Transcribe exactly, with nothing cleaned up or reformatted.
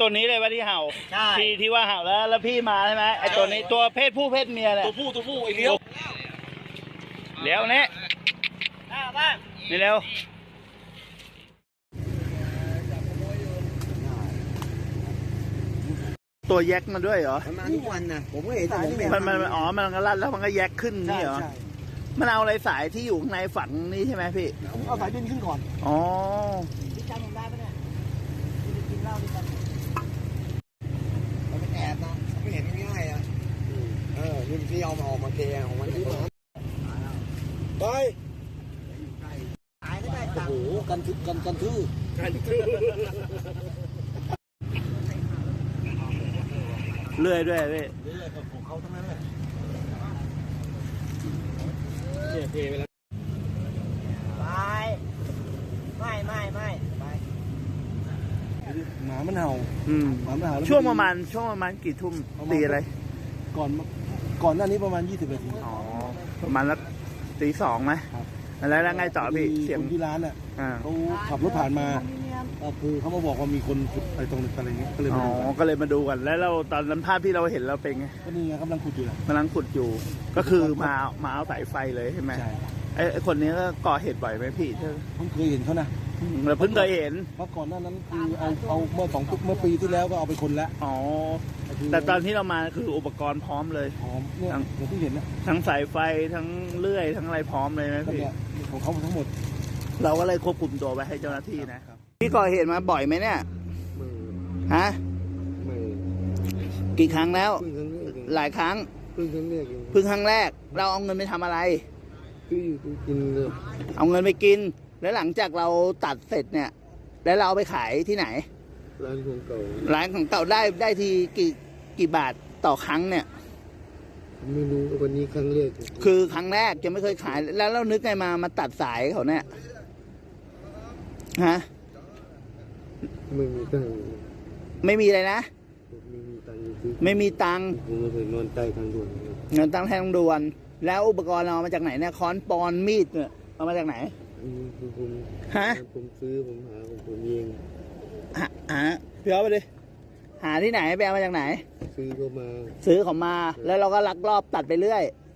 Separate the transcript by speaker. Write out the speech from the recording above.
Speaker 1: ตัวนี้เลยว่าที่เห่า
Speaker 2: ใช่
Speaker 1: ที่ที่ว่าเห่าแล้วแล้วพี่มาใช่ไหมไอตัวนี้ตัวเพศผู้เพศเมียเนี่ย
Speaker 2: ตัวผู้ตัวผู้ไอ้เลี้ยว
Speaker 1: เลี้ยวนี่
Speaker 2: บ้าง
Speaker 1: นี่เร็วตัวแยกมาด้วยเหรอ
Speaker 3: มันมาทุกวันนะผมก็เห็นแต่ผมไม่
Speaker 1: มันมันอ๋อมันก็รัดแล้วมันก็แยกขึ้น
Speaker 3: ใช่
Speaker 1: นี่เหรอ
Speaker 3: ใช่
Speaker 1: มันเอาอะไรสายที่อยู่ข้างในฝังนี้ใช่ไหมพี่
Speaker 3: ผมเอาสายดินขึ้นก่อน
Speaker 1: อ๋อ
Speaker 2: พี่จำผมได้ปะเนี่ยพี่กินเหล้าด้วยกัน
Speaker 3: เราไม่แอบนะไม่เห็นง่ายๆอ่ะเออนี่ที่เอามาออกมาเทของมันที่มาไป
Speaker 2: ตายก็ได้ตัง
Speaker 3: โอ้
Speaker 2: ค์
Speaker 3: โหกันทึกกันกันทื่อ
Speaker 1: เลื่อยด้วยพี่
Speaker 3: นี่แหละของเขาทั้งนั้นแหละ
Speaker 2: ไปไม่ไม่ไม่ไป
Speaker 3: หมามันเห่า
Speaker 1: อืม
Speaker 3: หมามันเห่าแล้
Speaker 1: ช่วงประมาณช่วงประมาณกี่ทุ่มตีอะไร
Speaker 3: ก่อนก่อนหน้านี้ประมาณยี่สิบนาที
Speaker 1: อ๋อประมาณสักตีสองไหม
Speaker 3: ครับ
Speaker 1: แล้วแล้วไงต่อพี่เสียง
Speaker 3: คนที่ร้านอ่ะ
Speaker 1: อ่า
Speaker 3: เขาขับรถผ่านมาก็คือเขามาบอกว่ามีคนขุดอะไรตรงนั้นอะไรเงี้ยก็เลย
Speaker 1: อ๋
Speaker 3: มา
Speaker 1: อ
Speaker 3: ดูกัน
Speaker 1: ก็เลยมาดูกันแล้วเราตอนนั้นภาพที่เราเห็นเราเป็นไง
Speaker 3: ก็นี่ไงกำลังขุดอยู่แหละ
Speaker 1: กำลังขุดอยู่ ก็คือมามาเอาสายไฟเลยใช่ไหม
Speaker 3: ใช่
Speaker 1: ไอ้ไอ้คนนี้ก็ก่อเหตุบ่อยไหมพี่เธอ
Speaker 3: ผมเคยเห็นเขานะ
Speaker 1: อืมเราเพิ่งเคยเห็น
Speaker 3: เมื่อก่อนหน้านั้นคือเอาเอาเมื่อสองเมื่อปีที่แล้วก็เอาไปคนละ
Speaker 1: อ๋อแต่ตอนที่เรามาคืออุปกรณ์พร้อมเลย
Speaker 3: หอมเนี่ยอย่างที่เห็นนะ
Speaker 1: ทั้งสายไฟทั้งเลื่อยทั้งอะไรพร้อมเลยไหม
Speaker 3: ก็
Speaker 1: พี่
Speaker 3: เนี่ยของเขาทั้งหมด
Speaker 1: เราก็เลยควบคุมตัวไว้ให้เจ้าหน้าที่นะพี่ก่อเหตุมาบ่อยไหมเนี่ยฮะ
Speaker 3: ไม่
Speaker 1: กี่ครั้งแล้ว
Speaker 3: เพิ่งครั้งแรกเอง
Speaker 1: หลายครั้ง
Speaker 3: เพิ่งครั้งแรกเอง
Speaker 1: เพิ่งครั้งแรก เราเอาเงินไปทำอะไร
Speaker 3: คืออยู่กินเลย
Speaker 1: เอาเงินไปกิน แล้วหลังจากเราตัดเสร็จเนี่ย แล้วเราเอาไปขายที่ไหน
Speaker 3: ร้านของเก่า
Speaker 1: ร้านของเก่าได้ได้ทีกี่กี่บาทต่อครั้งเนี่ย
Speaker 3: ไม่รู้วันนี้ครั้งแรก
Speaker 1: คือครั้งแรกจะไม่เคยขาย แล้วเรานึกไงมามาตัดสายเขาเนี่ยฮะ
Speaker 3: ไม่มีตังค์
Speaker 1: ไม่มีอะไรนะ
Speaker 3: ไม่มีตังค์ซื้อ
Speaker 1: ไม่มีตังค์
Speaker 3: ผมมาเคยนอนใต้ทางด่วน
Speaker 1: เงินตังค์แทงด่วน แล้วอุปกรณ์เราเอามาจากไหนเนี่ยค้อนปอนมีดเนี่ยเอามาจากไหน
Speaker 3: อันนี้คือผม
Speaker 1: ฮะ
Speaker 3: ผมซื้อผมหาของผมเอง
Speaker 1: หาหาพี่เอาไปดิหาที่ไหนไปเอามาจากไหน
Speaker 3: ซื้อเข้ามา
Speaker 1: ซื้อเขามา แล้วเราก็ลักลอบตัดไปเรื่อย
Speaker 3: ค